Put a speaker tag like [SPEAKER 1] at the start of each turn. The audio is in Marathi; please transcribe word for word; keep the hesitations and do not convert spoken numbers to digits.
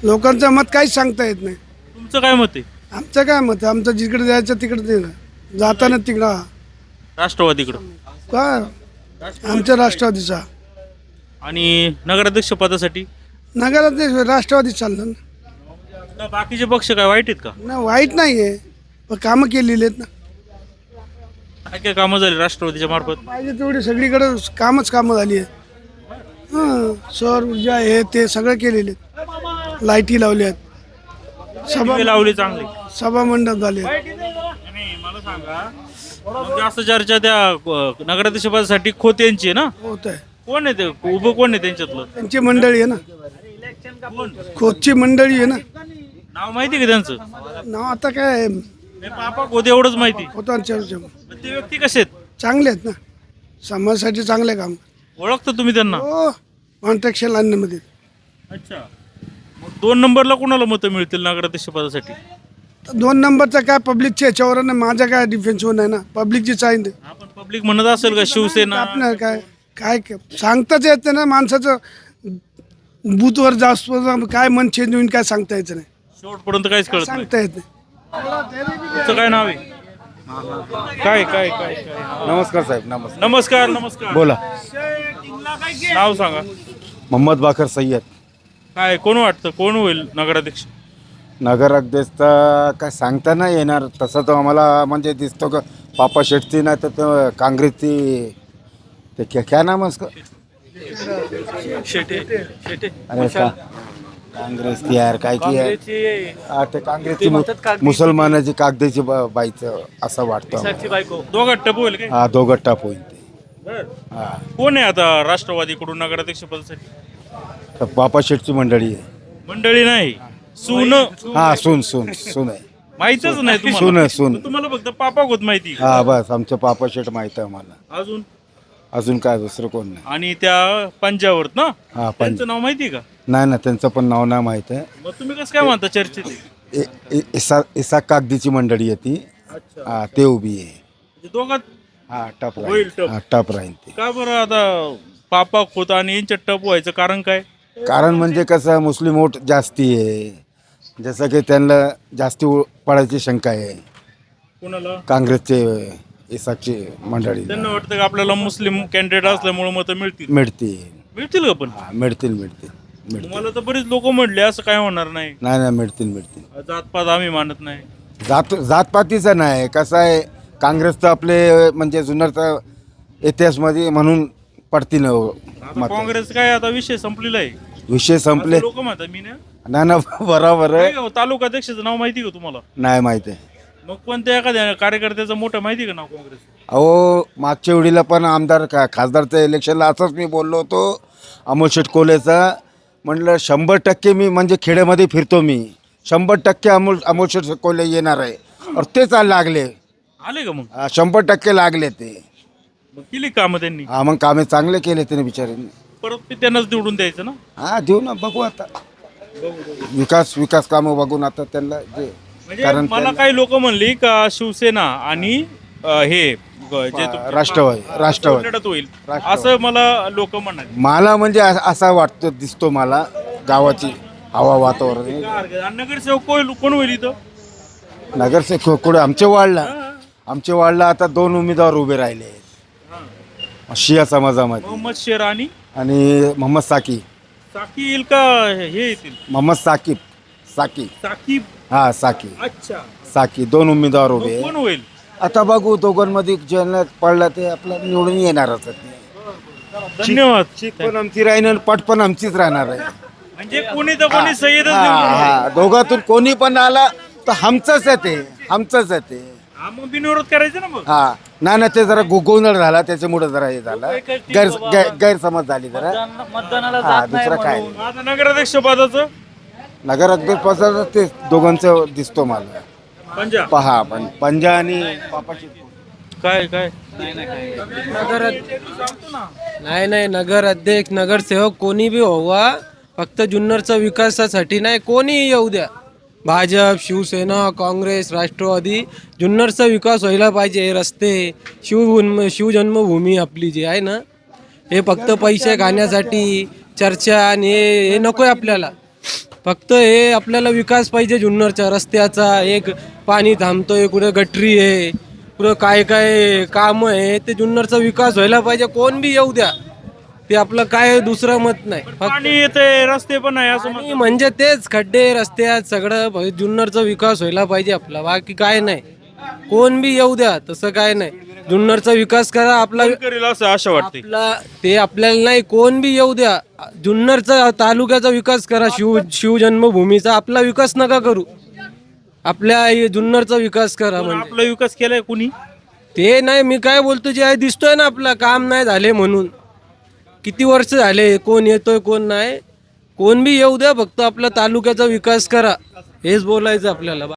[SPEAKER 1] लोकांचं मत काहीच सांगता येत नाही.
[SPEAKER 2] तुमचं काय मत आहे
[SPEAKER 1] आमचं काय मत आहे, आमचं जिकडे जायचं तिकडे ते जाताना तिकडं
[SPEAKER 2] राष्ट्रवादीकडं?
[SPEAKER 1] का आमच्या राष्ट्रवादीचा
[SPEAKER 2] आणि नगराध्यक्ष पदासाठी
[SPEAKER 1] नगरात नाही, राष्ट्रवादी चाललं ना.
[SPEAKER 2] का बाकीचे पक्ष काय वाईट आहेत का?
[SPEAKER 1] ना वाईट नाही आहे, पण कामं केलेली आहेत ना.
[SPEAKER 2] काय काय कामं झाली राष्ट्रवादीच्या मार्फत?
[SPEAKER 1] पाहिजे तेवढी सगळीकडे कामच कामं झाली आहेत. हां, सौर ऊर्जा हे ते सगळं केलेले आहेत. लाईटी लावल्या आहेत, सभा
[SPEAKER 2] दिवे लावली चांगली.
[SPEAKER 1] सभा मंडप झाले.
[SPEAKER 2] नाही, मला सांगा, मग जास्त चर्चा त्या अ, नगराध्यक्ष पदासाठी खोत यांची आहे ना?
[SPEAKER 1] होत आहे,
[SPEAKER 2] कोण आहे ते उभं, कोण आहे त्यांच्यातलं?
[SPEAKER 1] त्यांची मंडळी आहे ना,
[SPEAKER 2] कोण?
[SPEAKER 1] खोदची मंडळी आहे ना.
[SPEAKER 2] नाव माहिती आहे का त्यांचं?
[SPEAKER 1] नाव आता काय
[SPEAKER 2] नाही, पापा खोत एवढंच माहिती.
[SPEAKER 1] होतांच्या
[SPEAKER 2] पण ते व्यक्ती कसे आहेत?
[SPEAKER 1] चांगले आहेत ना, समाजासाठी चांगले काम.
[SPEAKER 2] ओळखता तुम्ही त्यांना?
[SPEAKER 1] हो, कॉन्ट्रॅक्शन आणण्यामध्ये
[SPEAKER 2] अच्छा. मग दोन नंबरला कोणाला मतं मिळतील नगराध्यक्ष पदासाठी?
[SPEAKER 1] तर दोन नंबरचा काय पब्लिकच्या याच्यावर आहे ना, माझा काय डिफेन्सवर नाही ना, पब्लिकची चाहीन
[SPEAKER 2] आपण पब्लिक म्हणत असेल का शिवसेना?
[SPEAKER 1] आपलं काय काय सांगताच येत नाही ना, माणसाचं बूथवर जास्त काय मन चेंज होईल काय सांगता यायचं नाही,
[SPEAKER 2] शेवटपर्यंत काहीच कळत नाही.
[SPEAKER 1] सांगता येत नाही.
[SPEAKER 2] तुमचं काय नाव आहे? काय काय काय काय
[SPEAKER 3] नमस्कार साहेब. नमस्कार.
[SPEAKER 2] नमस्कार नमस्कार.
[SPEAKER 3] बोला.
[SPEAKER 2] नाव सांगा.
[SPEAKER 3] मोहम्मद बाकर सय्यद.
[SPEAKER 2] काय कोण वाटतं कोण होईल नगराध्यक्ष?
[SPEAKER 3] नगराध्यक्ष तर काय सांगता नाही येणार, तसं तर आम्हाला म्हणजे दिसतो का पापा शेट्टी नाही तर तो काँग्रेसची ते क्या क्या नाम है उसका?
[SPEAKER 2] शेटे शेटे
[SPEAKER 3] अरे का काँग्रेस की यार काय की यार हा, ते काँग्रेसची मु- मुसलमानाची कागदाची बा- बाईचं असं वाटतं आम्हाला.
[SPEAKER 2] दोघात टप होईल काय?
[SPEAKER 3] हा दोघं टाप होईल ते.
[SPEAKER 2] बरं.
[SPEAKER 3] हा
[SPEAKER 2] कोण आहे आता राष्ट्रवादीकडून नगराध्यक्ष पदासाठी?
[SPEAKER 3] तर पापा शेटची मंडळी आहे.
[SPEAKER 2] मंडळी नाही, सून.
[SPEAKER 3] हा सून सून सून आहे.
[SPEAKER 2] माहितच नाही
[SPEAKER 3] सून
[SPEAKER 2] तुम्हाला?
[SPEAKER 3] आहे, सून.
[SPEAKER 2] मग तुम्हाला फक्त पापा होत माहिती.
[SPEAKER 3] हा बस आमचं पापा शेट माहित आहे आम्हाला.
[SPEAKER 2] अजून
[SPEAKER 3] अजून काय दुसरं कोण नाही.
[SPEAKER 2] आणि त्या पंजावर ना,
[SPEAKER 3] हा पंच
[SPEAKER 2] त्यांचं नाव माहिती आहे का?
[SPEAKER 3] नाही ना, त्यांचं पण नाव नाही माहित आहे.
[SPEAKER 2] मग तुम्ही कसं काय म्हणता चर्चेत?
[SPEAKER 3] इ- इ- इसा इसा कागदीची मंडळी आहे ती.
[SPEAKER 2] अच्छा.
[SPEAKER 3] हा ते उभी आहे.
[SPEAKER 2] म्हणजे दोघात
[SPEAKER 3] हा टप
[SPEAKER 2] होईल
[SPEAKER 3] राहील.
[SPEAKER 2] टप.
[SPEAKER 3] हा टप राहील ते.
[SPEAKER 2] का बरं आता पापा खोत आणि यांच्या टप व्हायचं कारण काय?
[SPEAKER 3] कारण म्हणजे कसं मुस्लिम वोट जास्ती आहे, जसं की त्यांना जास्ती उ- पडायची शंका आहे
[SPEAKER 2] कोणाला?
[SPEAKER 3] काँग्रेसचे इसाची मंडळी
[SPEAKER 2] त्यांना वाटतं का आपल्याला मुस्लिम कॅन्डिडेट असल्यामुळे मतं मिळतील?
[SPEAKER 3] मिळतील.
[SPEAKER 2] मिळतील का? पण
[SPEAKER 3] हा मिळतील मिळतील मिळतील.
[SPEAKER 2] मला तर बरेच लोक म्हणले असं काय होणार नाही,
[SPEAKER 3] नाही नाही मिळतील मिळतील.
[SPEAKER 2] जातपात आम्ही मानत नाही.
[SPEAKER 3] जात जातपातीचं नाही, कसं आहे काँग्रेसचं आपले म्हणजे जुन्नरचा इतिहासमध्ये म्हणून पडतील
[SPEAKER 2] आता
[SPEAKER 3] मत.
[SPEAKER 2] काँग्रेस काय आता विषय संपलेला आहे.
[SPEAKER 3] विषय संपले
[SPEAKER 2] लोक म्हणतात मी ना.
[SPEAKER 3] ना ना बरोबर आहे.
[SPEAKER 2] काय तालुका अध्यक्षाचं नाव माहिती का तुम्हाला?
[SPEAKER 3] नाही माहिती आहे.
[SPEAKER 2] मग कोणत्या एखाद्या कार्यकर्त्याचं मोठं माहिती का नाव काँग्रेस?
[SPEAKER 3] अहो मागच्या वेळीला पण आमदार का खासदारच्या इलेक्शनला असंच मी बोललो होतो अमोल शेटकोलेचा, म्हटलं शंभर टक्के मी म्हणजे खेड्यामध्ये फिरतो मी, शंभर टक्के अमोल अमोल शेटकोले येणार आहे. और तेच लागले.
[SPEAKER 2] आले का मग?
[SPEAKER 3] हा, शंभर टक्के लागले ते.
[SPEAKER 2] मग केली कामं त्यांनी?
[SPEAKER 3] हा मग कामे चांगले केले त्याने बिचाऱ्यांनी.
[SPEAKER 2] परत ते त्यांनाच निवडून द्यायचं ना?
[SPEAKER 3] हा देऊ ना, बघू आता विकास विकास कामं बघून आता त्यांना जे
[SPEAKER 2] म्हणजे
[SPEAKER 3] कारण
[SPEAKER 2] मला
[SPEAKER 3] त्यांना-
[SPEAKER 2] काही लोक म्हणली का शिवसेना आणि अं, हे ग- जे तुमचे
[SPEAKER 3] राष्ट्रवादी राष्ट्रवादी
[SPEAKER 2] लढत होईल
[SPEAKER 3] राष्ट्रवादी.
[SPEAKER 2] असं मला लोक म्हणाले.
[SPEAKER 3] मला म्हणजे अ- असा वाटतो दिसतो मला गावाची हवा वातावरण.
[SPEAKER 2] नगरसेवक कोण कोण होईल इथं?
[SPEAKER 3] नगरसेवक कुठे आमच्या वार्डला आमच्या वार्डला आता दोन उमेदवार उभे राहिले आहेत शिया समाजामध्ये,
[SPEAKER 2] मोहम्मद शेर आणि
[SPEAKER 3] आणि मोहम्मद साकी
[SPEAKER 2] साकी येईल का हे येतील?
[SPEAKER 3] मोहम्मद साकीब साकी
[SPEAKER 2] साकीब.
[SPEAKER 3] हा साकी
[SPEAKER 2] अच्छा.
[SPEAKER 3] साकी दोन उमेदवार उभे
[SPEAKER 2] मग
[SPEAKER 3] आहेत.
[SPEAKER 2] कोण होईल?
[SPEAKER 3] आता बघू दोघांमध्ये ज्यांना पडला ते आपलं निवडून येणारच आहे.
[SPEAKER 2] धन्यवाद.
[SPEAKER 3] शीख पण आमची राहील आणि पट पण आमचीच राहणार आहे.
[SPEAKER 2] म्हणजे कोणी तर कोणी सय्यदच
[SPEAKER 3] हा,
[SPEAKER 2] निवडून येईल.
[SPEAKER 3] हा. दोघातून कोणी पण आला तर आमचंच आहे ते, आमचंच आहे ते.
[SPEAKER 2] हा, मग बिनविरोध करायचं ना मग.
[SPEAKER 3] हा ना ना ते जरा गो- गोंधळ झाला त्याच्यामुळे जरा हे झाला, गैर गैर- गैरसमज झाली जरा. हा दुसरा काय नाही.
[SPEAKER 2] आता नगराध्यक्ष पदाचं
[SPEAKER 3] नगराध्यक्ष ते दोघांचं दिसतो मला.
[SPEAKER 2] पंजाब
[SPEAKER 3] पहा पण पंजा आणि पापाची
[SPEAKER 2] काय काय
[SPEAKER 4] नगर नाही नाही नगर अध्यक्ष नगरसेवक कोणी बी व्हावा, फक्त जुन्नरच्या विकासासाठी नाही, कोणी येऊ द्या, भाजप शिवसेना काँग्रेस राष्ट्रवादी, जुन्नरचा विकास व्हायला पाहिजे. रस्ते शिव शिवजन्मभूमी आपली जी आहे ना, हे फक्त पैसे खाण्यासाठी चर्चा आणि हे हे नको आहे आपल्याला. फक्त हे आपल्याला विकास पाहिजे जुन्नरच्या रस्त्याचा. एक पाणी थांबतोय, कुठे गटरी आहे, कुठं काय काय काम आहे, ते जुन्नरचा विकास व्हायला पाहिजे. कोण बी येऊ द्या, ते आपलं काय दुसरं मत नाही. फक्त
[SPEAKER 2] पाणी येते, रस्ते पण आहे असं
[SPEAKER 4] आणि म्हणजे तेच खड्डे रस्त्यात सगळं भ- जुन्नरचा विकास व्हायला पाहिजे आपला, बाकी काय नाही. कोण बी येऊ द्या, तसं काय नाही. जुन्नरचा विकास करा आपला.
[SPEAKER 2] कोण करेल असं आशा वाटते.
[SPEAKER 4] आपला ते आपल्याला नाही, कोण बी येऊ द्या. जुन्नरचा तालुक्याचा विकास करा, शिव शिवजन्मभूमीचा. आपला विकास नका करू, आपल्या हे जुन्नरचा विकास करा. म्हणजे
[SPEAKER 2] आपला विकास केलाय कुणी?
[SPEAKER 4] ते नाही, मी काय बोलतो, जे आहे दिसतोय ना, आपला काम नाही झाले म्हणून. किती वर्ष झाले, कोण येतोय कोण नाही. कोण बी येऊ द्या, फक्त आपला तालुक्याचा विकास करा, हेच बोलायचं आपल्याला.